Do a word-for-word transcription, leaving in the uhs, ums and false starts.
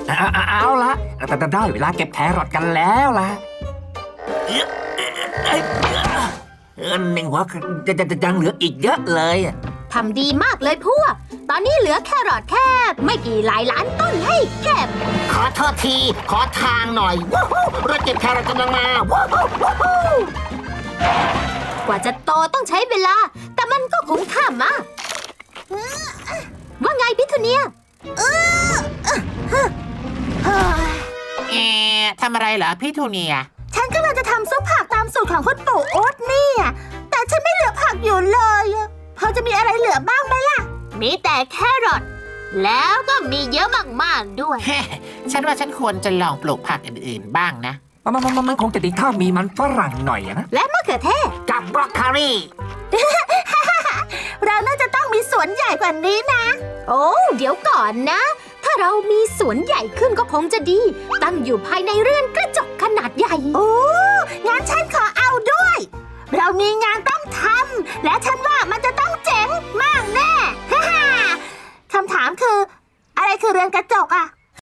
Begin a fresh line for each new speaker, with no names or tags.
เอาเอาเอาละแต่ได้เวลาเก็บแครอทกันแล้วล่ะเออหนึ่งหัวจะจะยังเหลืออีกเยอะเลย
ทำดีมากเลยพวกตอนนี้เหลือแครอทแค่ไม่กี่หลายล้านต้นให้เก็บ
ขอโทษทีขอทางหน่อยว้าวรถเก็บแครอทกำลังมาว้าว
กว่าจะโตต้องใช้เวลาแต่มันก็คุ้มค่ามากว่าไงพิทูเนีย
เอ๊ะทำอะไรเหรอพี่ทูเนีย
ฉันกำลังจะทำซุปผักตามสูตรของคุณปู่โอ๊ตนี่แต่ฉันไม่เหลือผักอยู่เลยพอจะมีอะไรเหลือบ้างไหมล่ะมีแต่แครอทแล้วก็มีเยอะมากๆด้วย
ฉันว่าฉันควรจะลองปลูกผักอื่นๆบ้างนะ
มันมันมันคงจะดีถ้ามีมันฝรั่งหน่อยนะ
และมะเขือเทศ
กับบรอกโคลี
เราน่าจะต้องมีสวนใหญ่กว่านี้นะโอ้เดี๋ยวก่อนนะถ้าเรามีสวนใหญ่ขึ้นก็คงจะดีตั้งอยู่ภายในเรือนกระจกขนาดใหญ่โอ้งั้นฉันขอเอาด้วยเรามีงานต้องทำและฉันว่ามันจะต้องเจ๋งมากแน่ คำถามคืออะไรคือเรือนกระจกอะ